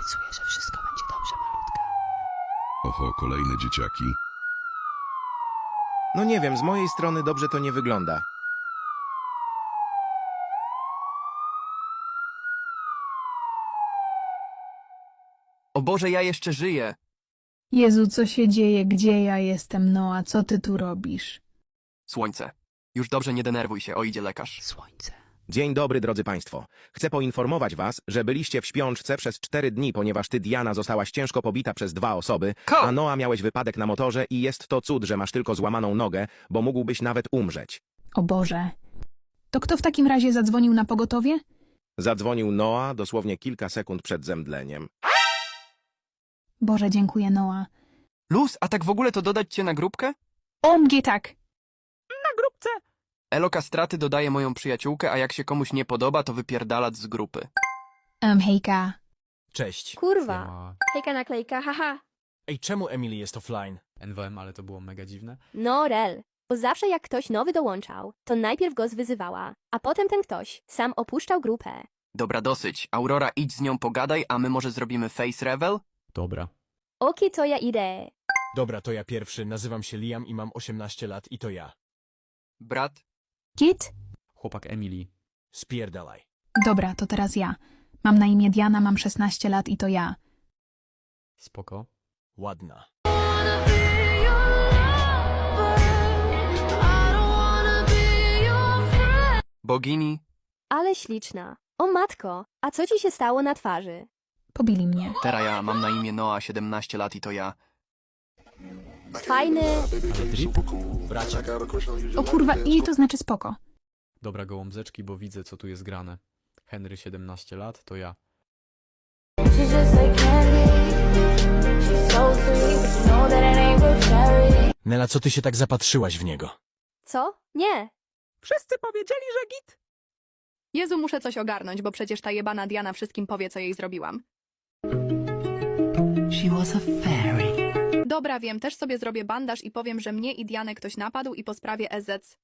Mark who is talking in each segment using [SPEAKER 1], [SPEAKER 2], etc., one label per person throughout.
[SPEAKER 1] Obiecuję, że wszystko będzie dobrze, malutka.
[SPEAKER 2] Oho, kolejne dzieciaki.
[SPEAKER 3] No nie wiem, z mojej strony dobrze to nie wygląda.
[SPEAKER 4] O Boże, ja jeszcze żyję.
[SPEAKER 5] Jezu, co się dzieje? Gdzie ja jestem, Noa? Co ty tu robisz?
[SPEAKER 4] Słońce. Już dobrze, nie denerwuj się, o idzie lekarz.
[SPEAKER 1] Słońce.
[SPEAKER 3] Dzień dobry, drodzy państwo. Chcę poinformować was, że byliście w śpiączce przez 4 dni, ponieważ ty, Diana, zostałaś ciężko pobita przez 2 osoby, a Noa miałeś wypadek na motorze i jest to cud, że masz tylko złamaną nogę, bo mógłbyś nawet umrzeć.
[SPEAKER 5] O Boże. To kto w takim razie zadzwonił na pogotowie?
[SPEAKER 3] Zadzwonił Noa dosłownie kilka sekund przed zemdleniem.
[SPEAKER 5] Boże, dziękuję, Noa.
[SPEAKER 4] Luz, a tak w ogóle to dodać cię na grupkę?
[SPEAKER 5] OMG, tak.
[SPEAKER 4] Elo Kastraty dodaje moją przyjaciółkę, a jak się komuś nie podoba, to wypierdalać z grupy.
[SPEAKER 5] Hejka.
[SPEAKER 6] Cześć.
[SPEAKER 7] Kurwa.
[SPEAKER 8] Siema.
[SPEAKER 7] Hejka naklejka, haha.
[SPEAKER 6] Ej, czemu Emily jest offline?
[SPEAKER 8] NWM, ale to było mega dziwne.
[SPEAKER 7] No rel. Bo zawsze jak ktoś nowy dołączał, to najpierw go zwyzywała, a potem ten ktoś sam opuszczał grupę.
[SPEAKER 4] Dobra, dosyć. Aurora, idź z nią pogadaj, a my może zrobimy face reveal?
[SPEAKER 8] Dobra.
[SPEAKER 7] Oki, to ja idę.
[SPEAKER 6] Dobra, to ja pierwszy, nazywam się Liam i mam 18 lat i to ja.
[SPEAKER 4] Brat?
[SPEAKER 5] Kit?
[SPEAKER 8] Chłopak Emily.
[SPEAKER 6] Spierdalaj.
[SPEAKER 5] Dobra, to teraz ja. Mam na imię Diana, mam 16 lat i to ja.
[SPEAKER 8] Spoko.
[SPEAKER 6] Ładna.
[SPEAKER 4] Bogini?
[SPEAKER 7] Ale śliczna. O matko, a co ci się stało na twarzy?
[SPEAKER 5] Pobili mnie.
[SPEAKER 4] Teraz ja mam na imię Noa, 17 lat i to ja.
[SPEAKER 7] Fajny.
[SPEAKER 8] Drip?
[SPEAKER 6] Bracia.
[SPEAKER 5] O kurwa, i to znaczy spoko.
[SPEAKER 8] Dobra, gołąbzeczki, bo widzę, co tu jest grane. Henry, 17 lat, to ja.
[SPEAKER 6] Nela, co ty się tak zapatrzyłaś w niego?
[SPEAKER 7] Co? Nie.
[SPEAKER 9] Wszyscy powiedzieli, że git. Jezu, muszę coś ogarnąć, bo przecież ta jebana Diana wszystkim powie, co jej zrobiłam.
[SPEAKER 1] She was a fairy.
[SPEAKER 9] Dobra, wiem, też sobie zrobię bandaż i powiem, że mnie i Dianę ktoś napadł i po sprawie EZ.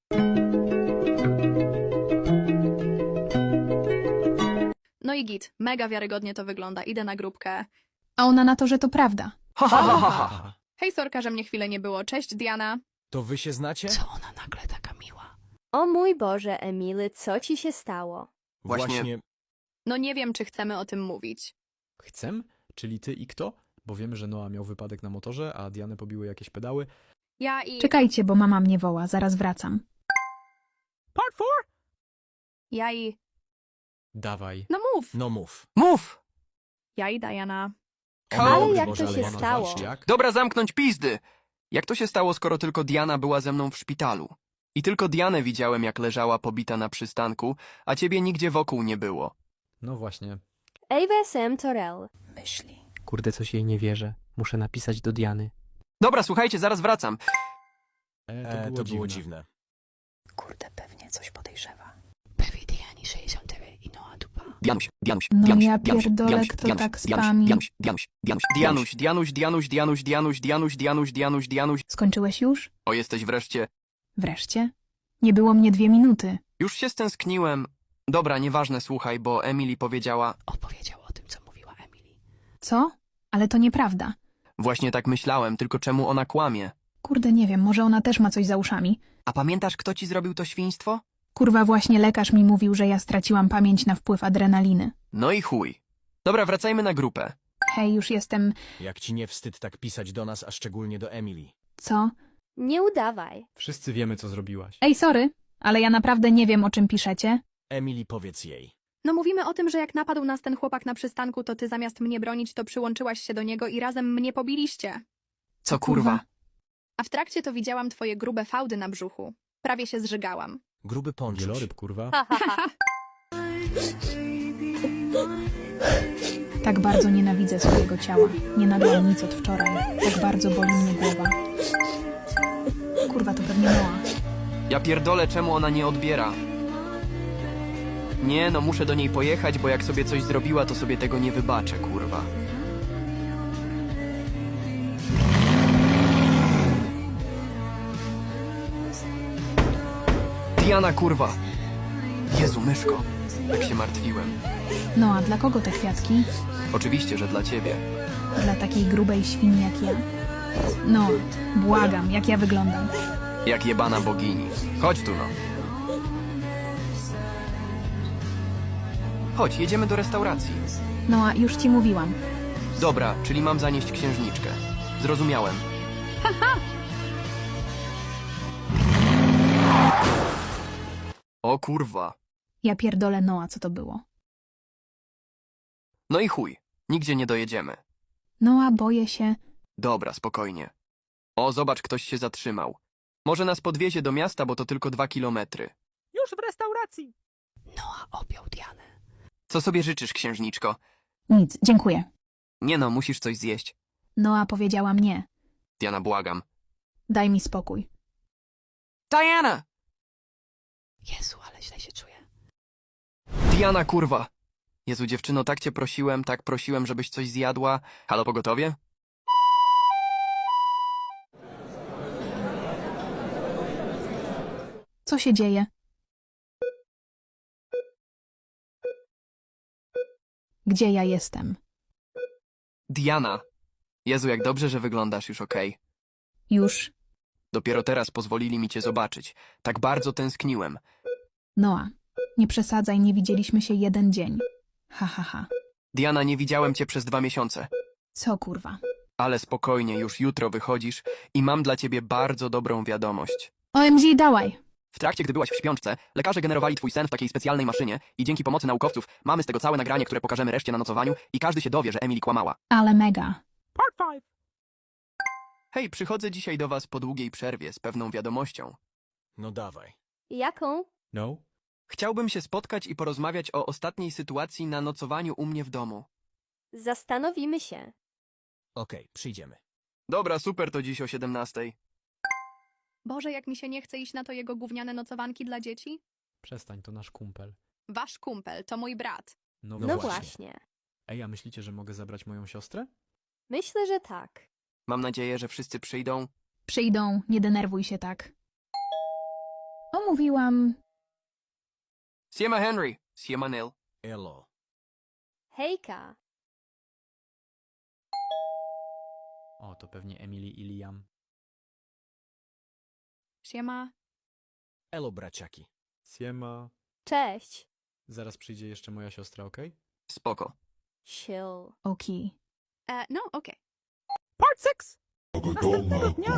[SPEAKER 9] No i git, mega wiarygodnie to wygląda, idę na grupkę.
[SPEAKER 5] A ona na to, że to prawda.
[SPEAKER 4] Ha, ha, ha, ha, ha.
[SPEAKER 6] Aha.
[SPEAKER 9] Hej, sorka, że mnie chwilę nie było. Cześć, Diana.
[SPEAKER 6] To wy się znacie?
[SPEAKER 1] Co ona nagle taka miła?
[SPEAKER 7] O mój Boże, Emily, co ci się stało?
[SPEAKER 4] Właśnie-
[SPEAKER 9] No nie wiem, czy chcemy o tym mówić.
[SPEAKER 8] Chcę? Czyli ty i kto? Bo wiemy, że Noah miał wypadek na motorze, a Dianę pobiły jakieś pedały.
[SPEAKER 9] Ja i...
[SPEAKER 5] Czekajcie, bo mama mnie woła, zaraz wracam.
[SPEAKER 9] Part 4? Ja i...
[SPEAKER 8] Dawaj.
[SPEAKER 9] No mów!
[SPEAKER 6] No mów.
[SPEAKER 4] Mów!
[SPEAKER 9] Ja i Diana.
[SPEAKER 7] Ale
[SPEAKER 6] Boże,
[SPEAKER 7] jak
[SPEAKER 6] Boże,
[SPEAKER 7] to się
[SPEAKER 6] ale
[SPEAKER 7] stało?
[SPEAKER 8] Zobacz, jak?
[SPEAKER 4] Dobra, zamknąć pizdy! Jak to się stało, skoro tylko Diana była ze mną w szpitalu? I tylko Dianę widziałem, jak leżała pobita na przystanku, a ciebie nigdzie wokół nie było.
[SPEAKER 8] No właśnie.
[SPEAKER 7] AWSM Torel.
[SPEAKER 1] Myśli.
[SPEAKER 10] Kurde, coś jej nie wierzę. Muszę napisać do Diany.
[SPEAKER 4] Dobra, słuchajcie, zaraz wracam.
[SPEAKER 6] To było dziwne.
[SPEAKER 1] Kurde, pewnie coś podejrzewa. Pewnie Diani 63 i Noa dupa.
[SPEAKER 4] Dianuś, Dianuś,
[SPEAKER 5] No
[SPEAKER 4] Dianuś,
[SPEAKER 5] ja
[SPEAKER 4] Dianuś,
[SPEAKER 5] pierdolę,
[SPEAKER 4] Dianuś,
[SPEAKER 5] kto
[SPEAKER 4] Dianuś,
[SPEAKER 5] tak
[SPEAKER 4] Dianuś,
[SPEAKER 5] spami.
[SPEAKER 4] Dianuś, Dianuś, Dianuś, Dianuś, Dianuś, Dianuś, Dianuś, Dianuś, Dianuś, Dianuś, Dianuś, Dianuś.
[SPEAKER 5] Skończyłeś już?
[SPEAKER 4] O, jesteś wreszcie.
[SPEAKER 5] Wreszcie? Nie było mnie 2 minuty.
[SPEAKER 4] Już się stęskniłem. Dobra, nieważne, słuchaj, bo Emily powiedziała...
[SPEAKER 1] Opowiedział o tym, co mówiła Emily.
[SPEAKER 5] Co? Ale to nieprawda.
[SPEAKER 4] Właśnie tak myślałem, tylko czemu ona kłamie?
[SPEAKER 5] Kurde, nie wiem, może ona też ma coś za uszami.
[SPEAKER 4] A pamiętasz, kto ci zrobił to świństwo?
[SPEAKER 5] Kurwa, właśnie lekarz mi mówił, że ja straciłam pamięć na wpływ adrenaliny.
[SPEAKER 4] No i chuj. Dobra, wracajmy na grupę.
[SPEAKER 5] Hej, już jestem...
[SPEAKER 6] Jak ci nie wstyd tak pisać do nas, a szczególnie do Emily?
[SPEAKER 5] Co?
[SPEAKER 7] Nie udawaj.
[SPEAKER 8] Wszyscy wiemy, co zrobiłaś.
[SPEAKER 5] Ej, sorry, ale ja naprawdę nie wiem, o czym piszecie.
[SPEAKER 6] Emily, powiedz jej.
[SPEAKER 9] No mówimy o tym, że jak napadł nas ten chłopak na przystanku, to ty zamiast mnie bronić, to przyłączyłaś się do niego i razem mnie pobiliście.
[SPEAKER 4] Co kurwa?
[SPEAKER 9] A w trakcie to widziałam twoje grube fałdy na brzuchu. Prawie się zżygałam.
[SPEAKER 6] Gruby ponczuś.
[SPEAKER 8] Wieloryb, kurwa.
[SPEAKER 7] Ha, ha, ha.
[SPEAKER 5] Tak bardzo nienawidzę swojego ciała. Nie nagrałam nic od wczoraj. Tak bardzo boli mnie głowa. Kurwa, to pewnie Noa.
[SPEAKER 4] Ja pierdolę, czemu ona nie odbiera. Nie, no muszę do niej pojechać, bo jak sobie coś zrobiła, to sobie tego nie wybaczę, kurwa. Diana, kurwa! Jezu, myszko, jak się martwiłem.
[SPEAKER 5] No a dla kogo te kwiatki?
[SPEAKER 4] Oczywiście, że dla ciebie.
[SPEAKER 5] Dla takiej grubej świni jak ja? No, błagam, jak ja wyglądam.
[SPEAKER 4] Jak jebana bogini. Chodź tu no. Chodź, jedziemy do restauracji.
[SPEAKER 5] No a już ci mówiłam.
[SPEAKER 4] Dobra, czyli mam zanieść księżniczkę. Zrozumiałem. O kurwa.
[SPEAKER 5] Ja pierdolę Noa, co to było.
[SPEAKER 4] No i chuj. Nigdzie nie dojedziemy.
[SPEAKER 5] Noa, boję się.
[SPEAKER 4] Dobra, spokojnie. O, zobacz, ktoś się zatrzymał. Może nas podwiezie do miasta, bo to tylko 2 kilometry.
[SPEAKER 6] Już w restauracji.
[SPEAKER 1] Noa objął Dianę.
[SPEAKER 4] Co sobie życzysz, księżniczko?
[SPEAKER 5] Nic, dziękuję.
[SPEAKER 4] Nie no, musisz coś zjeść.
[SPEAKER 5] Noa powiedziała mnie.
[SPEAKER 4] Diana, błagam.
[SPEAKER 5] Daj mi spokój.
[SPEAKER 4] Diana!
[SPEAKER 1] Jezu, ale źle się czuję.
[SPEAKER 4] Diana, kurwa! Jezu, dziewczyno, tak cię prosiłem, żebyś coś zjadła. Halo, pogotowie?
[SPEAKER 5] Co się dzieje? Gdzie ja jestem?
[SPEAKER 4] Diana! Jezu, jak dobrze, że wyglądasz już okej.
[SPEAKER 5] Już?
[SPEAKER 4] Dopiero teraz pozwolili mi cię zobaczyć. Tak bardzo tęskniłem.
[SPEAKER 5] Noa, nie przesadzaj, nie widzieliśmy się 1 dzień. Ha, ha, ha.
[SPEAKER 4] Diana, nie widziałem cię przez 2 miesiące.
[SPEAKER 5] Co kurwa?
[SPEAKER 4] Ale spokojnie, już jutro wychodzisz i mam dla ciebie bardzo dobrą wiadomość.
[SPEAKER 5] OMG, dawaj!
[SPEAKER 4] W trakcie, gdy byłaś w śpiączce, lekarze generowali twój sen w takiej specjalnej maszynie i dzięki pomocy naukowców mamy z tego całe nagranie, które pokażemy reszcie na nocowaniu i każdy się dowie, że Emily kłamała.
[SPEAKER 5] Ale mega.
[SPEAKER 6] Part 5.
[SPEAKER 4] Hej, przychodzę dzisiaj do was po długiej przerwie z pewną wiadomością.
[SPEAKER 6] No dawaj.
[SPEAKER 7] Jaką?
[SPEAKER 8] No?
[SPEAKER 4] Chciałbym się spotkać i porozmawiać o ostatniej sytuacji na nocowaniu u mnie w domu.
[SPEAKER 7] Zastanowimy się.
[SPEAKER 6] Okej, przyjdziemy.
[SPEAKER 4] Dobra, super, to dziś o 17:00.
[SPEAKER 9] Boże, jak mi się nie chce iść na to jego gówniane nocowanki dla dzieci.
[SPEAKER 8] Przestań, to nasz kumpel.
[SPEAKER 9] Wasz kumpel, to mój brat.
[SPEAKER 7] No właśnie.
[SPEAKER 8] Ej, a myślicie, że mogę zabrać moją siostrę?
[SPEAKER 7] Myślę, że tak.
[SPEAKER 4] Mam nadzieję, że wszyscy przyjdą.
[SPEAKER 5] Przyjdą, nie denerwuj się tak. Omówiłam.
[SPEAKER 4] Siema Henry, siema Neil.
[SPEAKER 6] Elo.
[SPEAKER 7] Hejka.
[SPEAKER 8] O, to pewnie Emily i Liam.
[SPEAKER 9] Siema.
[SPEAKER 6] Elo, braciaki.
[SPEAKER 8] Siema.
[SPEAKER 7] Cześć.
[SPEAKER 8] Zaraz przyjdzie jeszcze moja siostra, okej?
[SPEAKER 4] Spoko.
[SPEAKER 7] Chill.
[SPEAKER 5] Okej.
[SPEAKER 9] No, okej.
[SPEAKER 6] Part 6. Następnego dnia.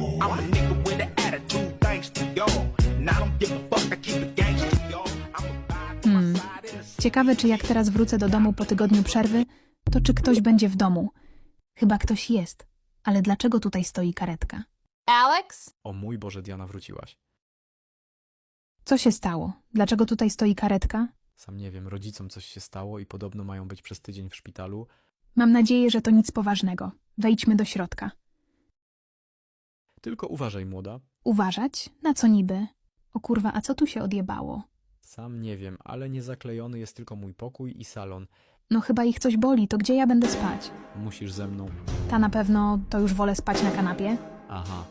[SPEAKER 5] Ciekawe, czy jak teraz wrócę do domu po tygodniu przerwy, to czy ktoś będzie w domu. Chyba ktoś jest. Ale dlaczego tutaj stoi karetka?
[SPEAKER 7] Alex?
[SPEAKER 8] O mój Boże, Diana, wróciłaś.
[SPEAKER 5] Co się stało? Dlaczego tutaj stoi karetka?
[SPEAKER 8] Sam nie wiem, rodzicom coś się stało i podobno mają być przez tydzień w szpitalu.
[SPEAKER 5] Mam nadzieję, że to nic poważnego. Wejdźmy do środka.
[SPEAKER 8] Tylko uważaj, młoda.
[SPEAKER 5] Uważać? Na co niby? O kurwa, a co tu się odjebało?
[SPEAKER 8] Sam nie wiem, ale niezaklejony jest tylko mój pokój i salon.
[SPEAKER 5] No chyba ich coś boli, to gdzie ja będę spać?
[SPEAKER 8] Musisz ze mną.
[SPEAKER 5] Ta na pewno, to już wolę spać na kanapie.
[SPEAKER 8] Aha.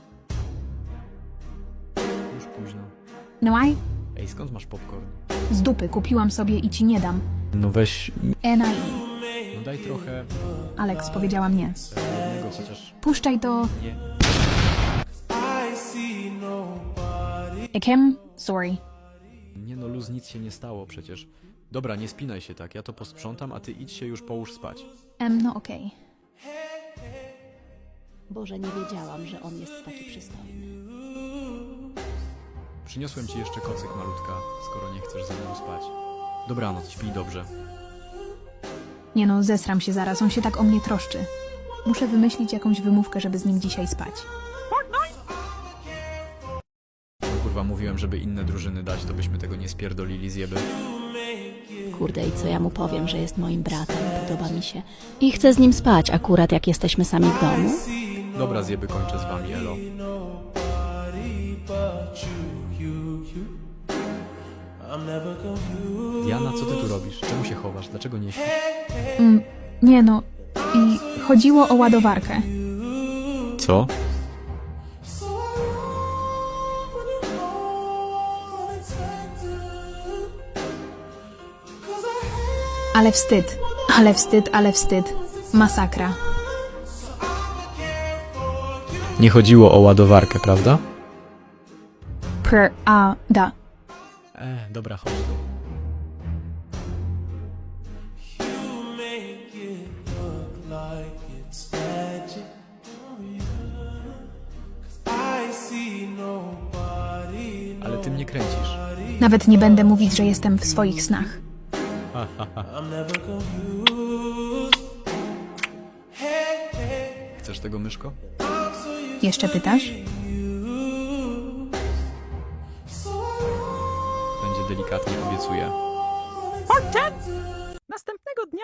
[SPEAKER 8] Już późno.
[SPEAKER 5] No aj?
[SPEAKER 8] Ej, skąd masz popcorn?
[SPEAKER 5] Z dupy, kupiłam sobie i ci nie dam.
[SPEAKER 8] No weź...
[SPEAKER 5] NAI.
[SPEAKER 8] No daj trochę...
[SPEAKER 5] Alex powiedziała mnie.
[SPEAKER 8] jednego chociaż...
[SPEAKER 5] Puszczaj to...
[SPEAKER 8] Nie.
[SPEAKER 5] Ekem? Sorry.
[SPEAKER 8] Nie no, luz, nic się nie stało przecież. Dobra, nie spinaj się tak, ja to posprzątam, a ty idź się już połóż spać.
[SPEAKER 5] No okej.
[SPEAKER 1] Boże, nie wiedziałam, że on jest taki przystojny.
[SPEAKER 8] Przyniosłem ci jeszcze kocyk, malutka, skoro nie chcesz ze mną spać. Dobranoc, śpij dobrze.
[SPEAKER 5] Nie no, zesram się zaraz, on się tak o mnie troszczy. Muszę wymyślić jakąś wymówkę, żeby z nim dzisiaj spać.
[SPEAKER 8] Kurwa, mówiłem, żeby inne drużyny dać, to byśmy tego nie spierdolili z jeby.
[SPEAKER 1] Kurde, i co ja mu powiem, że jest moim bratem, podoba mi się. I chcę z nim spać, akurat jak jesteśmy sami w domu.
[SPEAKER 8] Dobra, zjeby, kończę z wami, elo. Diana, co ty tu robisz? Czemu się chowasz? Dlaczego nie śpisz?
[SPEAKER 5] Nie no, i chodziło o ładowarkę.
[SPEAKER 8] Co?
[SPEAKER 5] Ale wstyd, ale wstyd, ale wstyd. Masakra.
[SPEAKER 8] Nie chodziło o ładowarkę, prawda?
[SPEAKER 5] Da.
[SPEAKER 8] Dobra, chodź tu. Ale ty mnie kręcisz.
[SPEAKER 5] Nawet nie będę mówić, że jestem w swoich snach.
[SPEAKER 8] Chcesz tego, myszko?
[SPEAKER 5] Jeszcze pytasz?
[SPEAKER 8] Będzie delikatnie, obiecuję.
[SPEAKER 9] Następnego dnia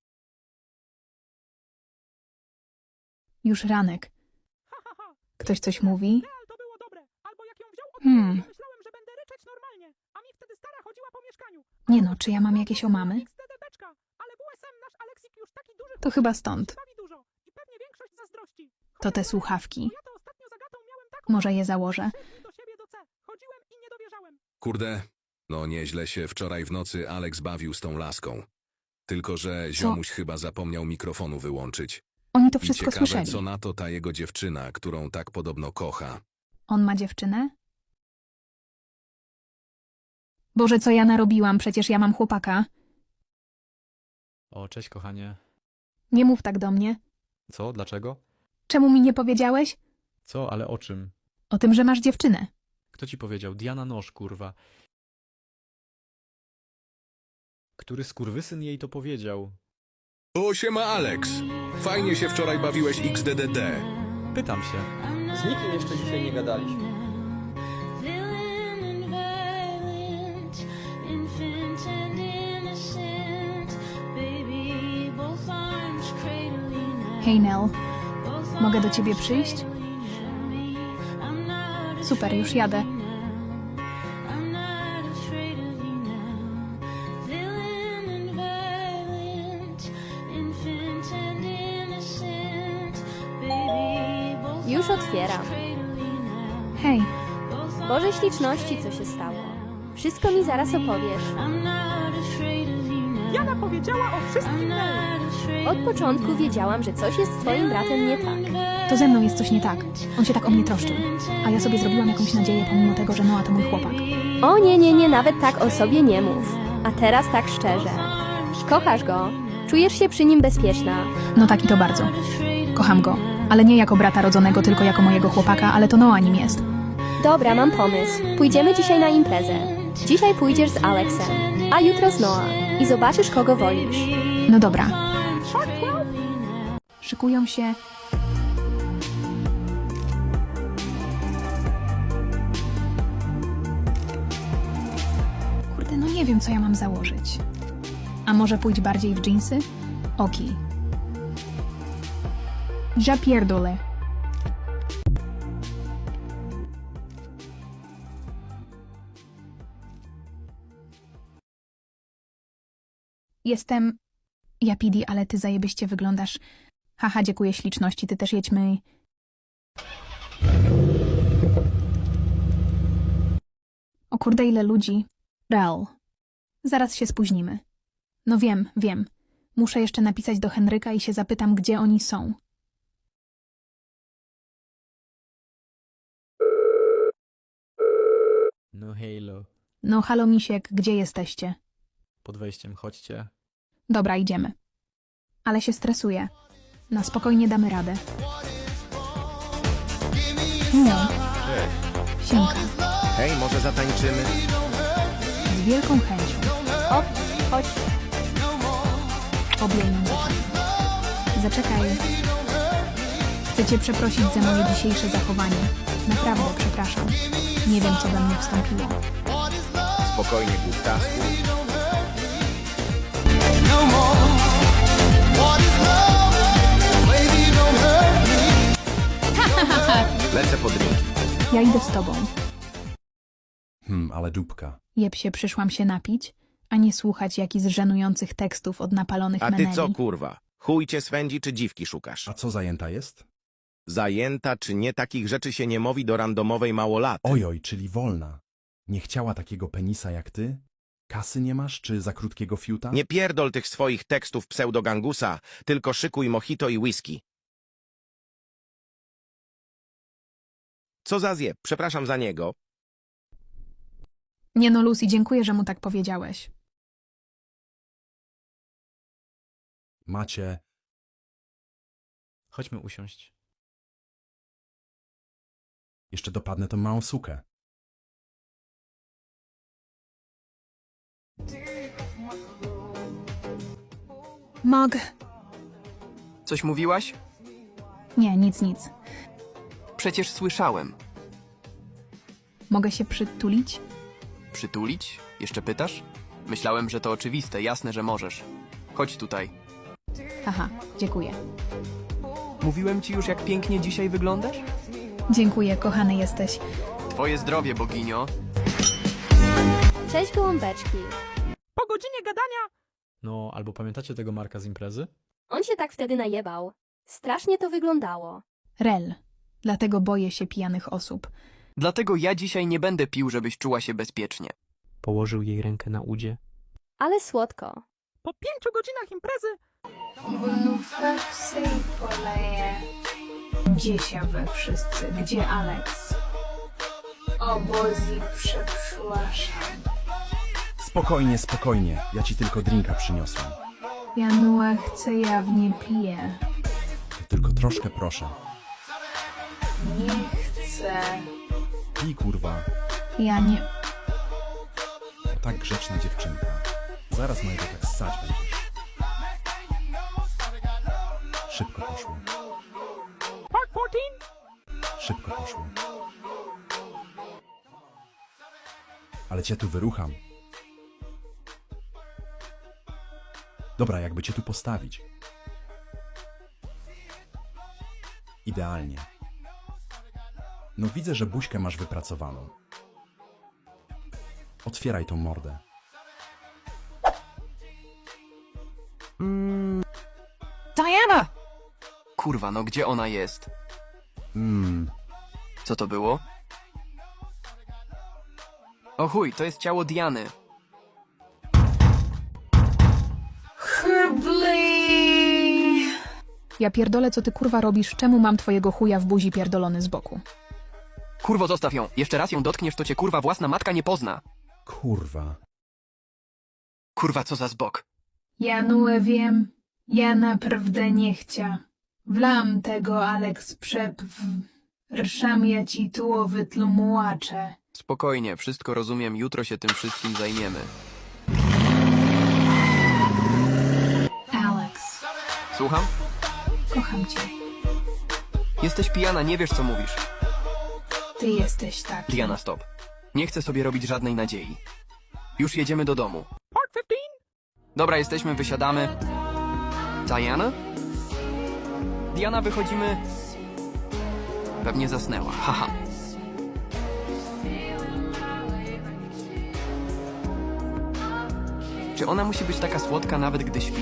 [SPEAKER 5] Już ranek. Ktoś coś mówi?
[SPEAKER 9] to było dobre. Albo jak ją wziął od myślałem, że będę ryczeć normalnie. A mi wtedy stara chodziła po mieszkaniu.
[SPEAKER 5] Nie no, czy ja mam jakieś omamy?
[SPEAKER 9] XDDBczka. Ale WSM nasz Aleksik już taki duży.
[SPEAKER 5] To chyba stąd.
[SPEAKER 9] Bawi dużo. I pewnie większość zazdrości.
[SPEAKER 5] To te słuchawki.
[SPEAKER 9] Ja to ostatnio z Agatą miałem taką...
[SPEAKER 5] Może je założę.
[SPEAKER 9] do siebie do C. Chodziłem i nie dowierzałem.
[SPEAKER 2] Kurde, no nieźle się wczoraj w nocy Alex bawił z tą laską. Tylko że ziomuś chyba zapomniał mikrofonu wyłączyć.
[SPEAKER 5] Oni to
[SPEAKER 2] I
[SPEAKER 5] wszystko
[SPEAKER 2] ciekawe,
[SPEAKER 5] słyszeli.
[SPEAKER 2] co na to ta jego dziewczyna, którą tak podobno kocha.
[SPEAKER 5] On ma dziewczynę? Boże, co ja narobiłam? Przecież ja mam chłopaka.
[SPEAKER 8] O, cześć, kochanie.
[SPEAKER 5] Nie mów tak do mnie.
[SPEAKER 8] Co? Dlaczego?
[SPEAKER 5] Czemu mi nie powiedziałeś?
[SPEAKER 8] Co? Ale o czym?
[SPEAKER 5] O tym, że masz dziewczynę.
[SPEAKER 8] Kto ci powiedział? Diana Nosz, kurwa. Który skurwysyn jej to powiedział?
[SPEAKER 2] O, siema Alex! Fajnie się wczoraj bawiłeś XDDD.
[SPEAKER 8] Pytam się.
[SPEAKER 10] Z nikim jeszcze dzisiaj nie gadaliśmy.
[SPEAKER 5] Hej Nell, mogę do ciebie przyjść? Super, już jadę.
[SPEAKER 7] Już otwieram.
[SPEAKER 5] Hej,
[SPEAKER 7] Boże śliczności, co się stało. Wszystko mi zaraz opowiesz.
[SPEAKER 9] Jana powiedziała o wszystkim Nel.
[SPEAKER 7] Od początku wiedziałam, że coś jest z twoim bratem nie tak.
[SPEAKER 5] to ze mną jest coś nie tak. On się tak o mnie troszczył. A ja sobie zrobiłam jakąś nadzieję, pomimo tego, że Noah to mój chłopak.
[SPEAKER 7] O nie, nie, nie, nawet tak o sobie nie mów. A teraz tak szczerze. Kochasz go. Czujesz się przy nim bezpieczna.
[SPEAKER 5] No tak i to bardzo. Kocham go. Ale nie jako brata rodzonego, tylko jako mojego chłopaka, ale to Noah nim jest.
[SPEAKER 7] Dobra, mam pomysł. Pójdziemy dzisiaj na imprezę. Dzisiaj pójdziesz z Alexem, a jutro z Noah. I zobaczysz, kogo wolisz.
[SPEAKER 5] No dobra. Szykują się. Kurde, no nie wiem, co ja mam założyć. A może pójdź bardziej w dżinsy? Oki. Ja pierdolę. Jestem... Ja Pidi, ale ty zajebiście wyglądasz. Haha, dziękuję śliczności, ty też jedźmy. O kurde, ile ludzi. Real. Zaraz się spóźnimy. No wiem, wiem. Muszę jeszcze napisać do Henryka i się zapytam, gdzie oni są.
[SPEAKER 8] No halo.
[SPEAKER 5] No halo misiek, gdzie jesteście?
[SPEAKER 8] Pod wejściem, chodźcie.
[SPEAKER 5] Dobra, idziemy. Ale się stresuję. Na spokojnie damy radę. No, siemka.
[SPEAKER 3] Hej, może zatańczymy?
[SPEAKER 5] Z wielką chęcią.
[SPEAKER 7] O, chodź.
[SPEAKER 5] Obie ją zaczekaj. Zaczekaj. Chcę cię przeprosić za moje dzisiejsze zachowanie. Naprawdę przepraszam. Nie wiem, co we mnie wstąpiło.
[SPEAKER 3] Spokojnie, głuptasku. Lecę po drinki.
[SPEAKER 5] Ja idę z tobą.
[SPEAKER 11] Ale dupka.
[SPEAKER 5] Jeb się, przyszłam się napić, a nie słuchać jakichś żenujących tekstów od napalonych
[SPEAKER 3] A ty
[SPEAKER 5] meneli.
[SPEAKER 3] co, kurwa? Chuj cię swędzi, czy dziwki szukasz?
[SPEAKER 11] A co zajęta jest?
[SPEAKER 3] Zajęta czy nie, takich rzeczy się nie mówi do randomowej małolaty.
[SPEAKER 11] Ojoj, czyli wolna. Nie chciała takiego penisa jak ty? Kasy nie masz, czy za krótkiego fiuta?
[SPEAKER 3] Nie pierdol tych swoich tekstów pseudogangusa, tylko szykuj mojito i whisky. Co za zjeb? Przepraszam za niego.
[SPEAKER 5] Nie no, Lucy, dziękuję, że mu tak powiedziałeś.
[SPEAKER 11] Macie...
[SPEAKER 8] Chodźmy usiąść.
[SPEAKER 11] Jeszcze dopadnę tą małą sukę.
[SPEAKER 5] Mogę.
[SPEAKER 4] Coś mówiłaś?
[SPEAKER 5] Nie, nic.
[SPEAKER 4] Przecież słyszałem.
[SPEAKER 5] Mogę się przytulić?
[SPEAKER 4] Przytulić? Jeszcze pytasz? Myślałem, że to oczywiste, jasne, że możesz. Chodź tutaj.
[SPEAKER 5] Haha, dziękuję.
[SPEAKER 4] Mówiłem ci już, jak pięknie dzisiaj wyglądasz?
[SPEAKER 5] Dziękuję, kochany jesteś.
[SPEAKER 4] Twoje zdrowie, boginio.
[SPEAKER 7] Cześć gołąbeczki.
[SPEAKER 9] Po godzinie gadania
[SPEAKER 8] No, albo pamiętacie tego Marka z imprezy?
[SPEAKER 7] On się tak wtedy najebał. Strasznie to wyglądało.
[SPEAKER 5] Rel. Dlatego boję się pijanych osób.
[SPEAKER 4] Dlatego ja dzisiaj nie będę pił, żebyś czuła się bezpiecznie.
[SPEAKER 8] Położył jej rękę na udzie.
[SPEAKER 7] Ale słodko.
[SPEAKER 9] po 5 godzinach imprezy
[SPEAKER 5] Gdzie się we wszyscy? Gdzie Alex? Obozi, przepraszam.
[SPEAKER 11] Spokojnie. Ja ci tylko drinka przyniosłem.
[SPEAKER 5] Januła chce, ja w nie piję.
[SPEAKER 11] To tylko troszkę proszę.
[SPEAKER 5] Nie chcę.
[SPEAKER 11] Pij, kurwa.
[SPEAKER 5] Ja nie...
[SPEAKER 11] To tak grzeczna dziewczynka. Zaraz mojego tak ssać będziesz. Szybko poszło.
[SPEAKER 9] Part 14
[SPEAKER 11] Szybko poszło. Ale cię tu wyrucham. Dobra, jakby cię tu postawić. Idealnie. No widzę, że buźkę masz wypracowaną. Otwieraj tą mordę.
[SPEAKER 4] Diana! Kurwa, no gdzie ona jest?
[SPEAKER 11] Mmm,
[SPEAKER 4] Co to było? O chuj, to jest ciało Diany.
[SPEAKER 5] Ja pierdolę, co ty kurwa robisz? Czemu mam twojego chuja w buzi pierdolony z boku?
[SPEAKER 4] Kurwo, zostaw ją. Jeszcze raz ją dotkniesz, to cię kurwa własna matka nie pozna.
[SPEAKER 11] kurwa.
[SPEAKER 4] Kurwa, co za zbok.
[SPEAKER 5] Janułę wiem. Ja naprawdę nie chcia. Wlam tego, Alex, Rszam ja ci tuło wytlumułaczę.
[SPEAKER 4] Spokojnie, wszystko rozumiem, jutro się tym wszystkim zajmiemy.
[SPEAKER 5] Alex,
[SPEAKER 4] Słucham?
[SPEAKER 5] kocham cię.
[SPEAKER 4] Jesteś pijana, nie wiesz co mówisz.
[SPEAKER 5] Ty jesteś taki.
[SPEAKER 4] Diana, stop. Nie chcę sobie robić żadnej nadziei. Już jedziemy do domu.
[SPEAKER 9] Part 15
[SPEAKER 4] Dobra, jesteśmy, wysiadamy. Diana? Diana, wychodzimy. Pewnie zasnęła, haha. Czy ona musi być taka słodka nawet gdy śpi?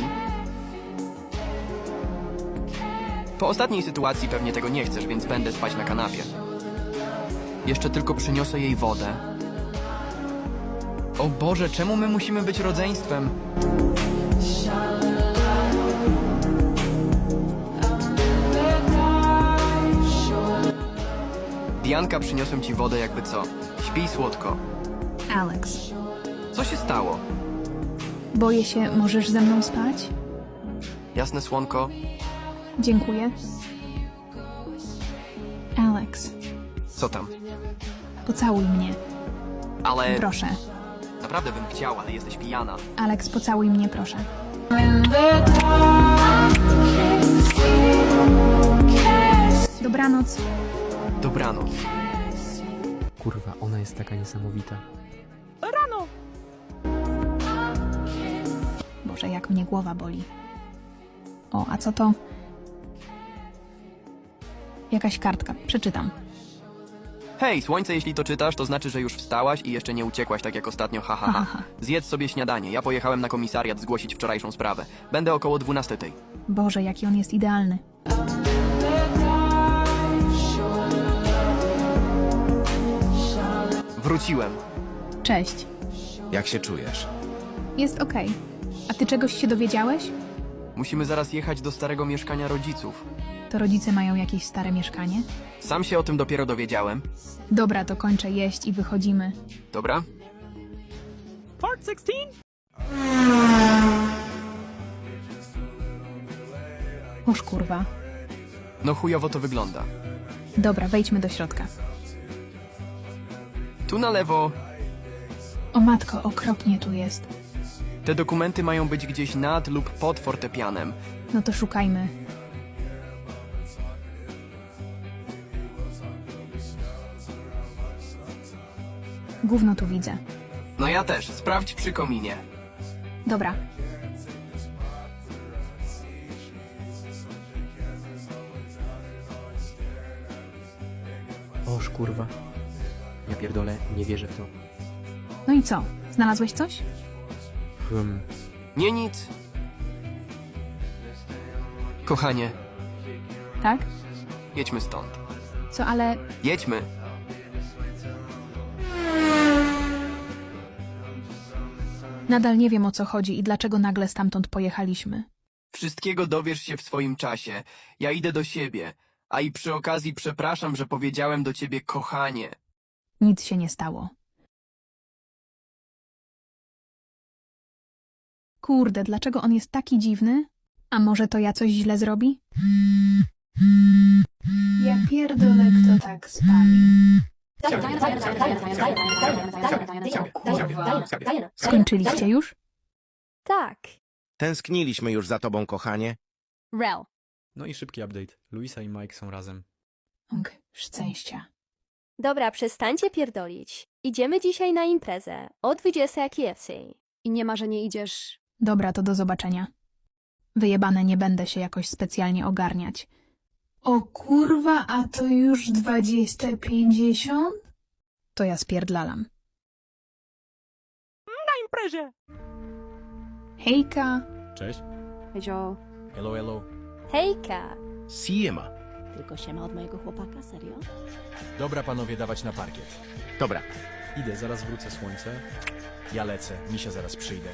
[SPEAKER 4] Po ostatniej sytuacji pewnie tego nie chcesz, więc będę spać na kanapie. Jeszcze tylko przyniosę jej wodę. O Boże, czemu my musimy być rodzeństwem? Dianka, przyniosłem ci wodę jakby co. Śpij słodko.
[SPEAKER 5] Alex,
[SPEAKER 4] Co się stało?
[SPEAKER 5] boję się, możesz ze mną spać?
[SPEAKER 4] Jasne, słonko.
[SPEAKER 5] Dziękuję. Alex,
[SPEAKER 4] Co tam?
[SPEAKER 5] pocałuj mnie.
[SPEAKER 4] Ale...
[SPEAKER 5] Proszę.
[SPEAKER 4] Naprawdę bym chciał, ale jesteś pijana.
[SPEAKER 5] Alex, pocałuj mnie, proszę. Dobranoc.
[SPEAKER 4] Dobranoc.
[SPEAKER 8] Kurwa, ona jest taka niesamowita.
[SPEAKER 9] rano.
[SPEAKER 5] Boże, jak mnie głowa boli. O, a co to? Jakaś kartka. Przeczytam.
[SPEAKER 4] Hej, słońce, jeśli to czytasz, to znaczy, że już wstałaś i jeszcze nie uciekłaś tak jak ostatnio, ha, ha, ha. Zjedz sobie śniadanie. Ja pojechałem na komisariat zgłosić wczorajszą sprawę. Będę około 12.
[SPEAKER 5] Boże, jaki on jest idealny.
[SPEAKER 4] Wróciłem.
[SPEAKER 5] Cześć.
[SPEAKER 3] Jak się czujesz?
[SPEAKER 5] Jest okej. A ty czegoś się dowiedziałeś?
[SPEAKER 4] Musimy zaraz jechać do starego mieszkania rodziców.
[SPEAKER 5] To rodzice mają jakieś stare mieszkanie?
[SPEAKER 4] Sam się o tym dopiero dowiedziałem.
[SPEAKER 5] Dobra, to kończę jeść i wychodzimy.
[SPEAKER 4] Dobra?
[SPEAKER 10] Part 16?
[SPEAKER 5] Oż kurwa.
[SPEAKER 4] No chujowo to wygląda.
[SPEAKER 5] Dobra, wejdźmy do środka.
[SPEAKER 4] Tu na lewo.
[SPEAKER 5] O matko, okropnie tu jest.
[SPEAKER 4] Te dokumenty mają być gdzieś nad lub pod fortepianem.
[SPEAKER 5] No to szukajmy. Gówno tu widzę.
[SPEAKER 4] No ja też. Sprawdź przy kominie.
[SPEAKER 5] Dobra.
[SPEAKER 12] Oż kurwa. Ja pierdolę, nie wierzę w to.
[SPEAKER 5] No i co? Znalazłeś coś?
[SPEAKER 4] Nie nic. Kochanie,
[SPEAKER 5] Tak?
[SPEAKER 4] jedźmy stąd.
[SPEAKER 5] Co, ale...
[SPEAKER 4] Jedźmy.
[SPEAKER 5] Nadal nie wiem, o co chodzi i dlaczego nagle stamtąd pojechaliśmy.
[SPEAKER 4] Wszystkiego dowiesz się w swoim czasie. Ja idę do siebie. A i przy okazji przepraszam, że powiedziałem do ciebie kochanie.
[SPEAKER 5] Nic się nie stało. Kurde, dlaczego on jest taki dziwny? A może to ja coś źle zrobi? Ja pierdolę, kto tak spami. Skończyliście już?
[SPEAKER 7] Tak.
[SPEAKER 3] Tęskniliśmy już za tobą, kochanie.
[SPEAKER 9] Rel.
[SPEAKER 8] No i szybki update. Luisa i Mike są razem.
[SPEAKER 5] Och, szczęścia.
[SPEAKER 7] Dobra, przestańcie pierdolić. Idziemy dzisiaj na imprezę. O 20 KFC.
[SPEAKER 9] I nie ma, że nie idziesz...
[SPEAKER 5] Dobra, to do zobaczenia. Wyjebane, nie będę się jakoś specjalnie ogarniać. O kurwa, a to już 20:50? To ja spierdlalam.
[SPEAKER 10] Na imprezie!
[SPEAKER 5] Hejka.
[SPEAKER 8] Cześć.
[SPEAKER 9] Hejzo.
[SPEAKER 6] Hello, hello.
[SPEAKER 7] Hejka.
[SPEAKER 3] Siema.
[SPEAKER 1] Tylko siema od mojego chłopaka, serio?
[SPEAKER 6] Dobra, panowie, dawać na parkiet.
[SPEAKER 3] Dobra.
[SPEAKER 8] Idę, zaraz wrócę słońce.
[SPEAKER 6] Ja lecę, misia zaraz przyjdę.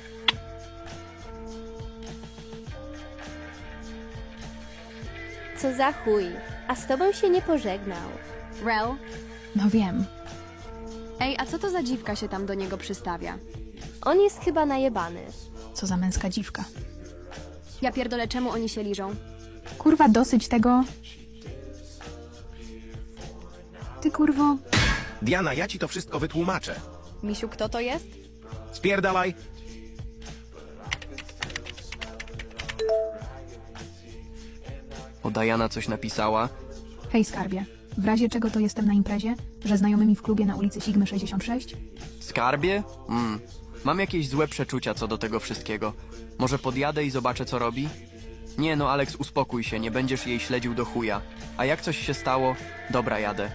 [SPEAKER 7] Co za chuj. A z tobą się nie pożegnał.
[SPEAKER 9] Rel.
[SPEAKER 5] No wiem.
[SPEAKER 9] Ej, a co to za dziwka się tam do niego przystawia?
[SPEAKER 7] On jest chyba najebany.
[SPEAKER 5] Co za męska dziwka.
[SPEAKER 9] Ja pierdolę, czemu oni się liżą?
[SPEAKER 5] Kurwa, dosyć tego. Ty kurwo.
[SPEAKER 3] Diana, ja ci to wszystko wytłumaczę.
[SPEAKER 9] Misiu, kto to jest?
[SPEAKER 3] Spierdalaj.
[SPEAKER 4] O, Diana coś napisała.
[SPEAKER 5] Hej skarbie. W razie czego to jestem na imprezie, że znajomymi w klubie na ulicy Sigmy 66?
[SPEAKER 4] Skarbie? Mam jakieś złe przeczucia co do tego wszystkiego. Może podjadę i zobaczę, co robi? Nie no, Alex, uspokój się, nie będziesz jej śledził do chuja. A jak coś się stało? Dobra, jadę.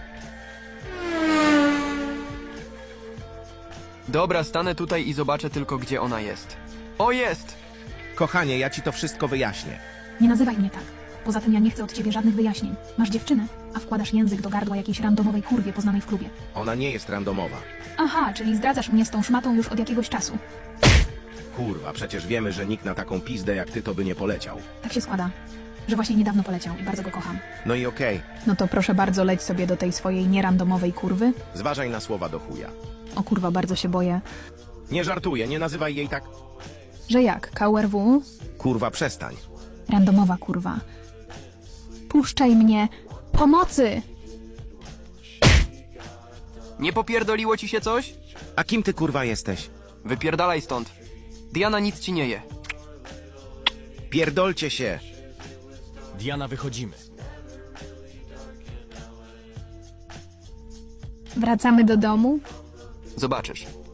[SPEAKER 4] Dobra, stanę tutaj i zobaczę tylko, gdzie ona jest. O, jest!
[SPEAKER 3] Kochanie, ja ci to wszystko wyjaśnię.
[SPEAKER 5] Nie nazywaj mnie tak. Poza tym ja nie chcę od ciebie żadnych wyjaśnień. Masz dziewczynę, a wkładasz język do gardła jakiejś randomowej kurwie poznanej w klubie.
[SPEAKER 3] Ona nie jest randomowa.
[SPEAKER 5] Aha, czyli zdradzasz mnie z tą szmatą już od jakiegoś czasu.
[SPEAKER 3] Kurwa, przecież wiemy, że nikt na taką pizdę jak ty to by nie poleciał.
[SPEAKER 5] Tak się składa, że właśnie niedawno poleciał i bardzo go kocham.
[SPEAKER 3] No i okej.
[SPEAKER 5] No to proszę bardzo, leć sobie do tej swojej nierandomowej kurwy.
[SPEAKER 3] Zważaj na słowa do chuja.
[SPEAKER 5] O kurwa, bardzo się boję.
[SPEAKER 3] Nie żartuję, nie nazywaj jej tak.
[SPEAKER 5] Że jak? KRW?
[SPEAKER 3] Kurwa, przestań.
[SPEAKER 5] Randomowa kurwa. Puszczaj mnie! Pomocy!
[SPEAKER 4] Nie popierdoliło ci się coś?
[SPEAKER 3] A kim ty kurwa jesteś?
[SPEAKER 4] Wypierdalaj stąd. Diana nic ci nie je.
[SPEAKER 3] Pierdolcie się.
[SPEAKER 6] Diana, wychodzimy.
[SPEAKER 5] Wracamy do domu?
[SPEAKER 4] Zobaczysz.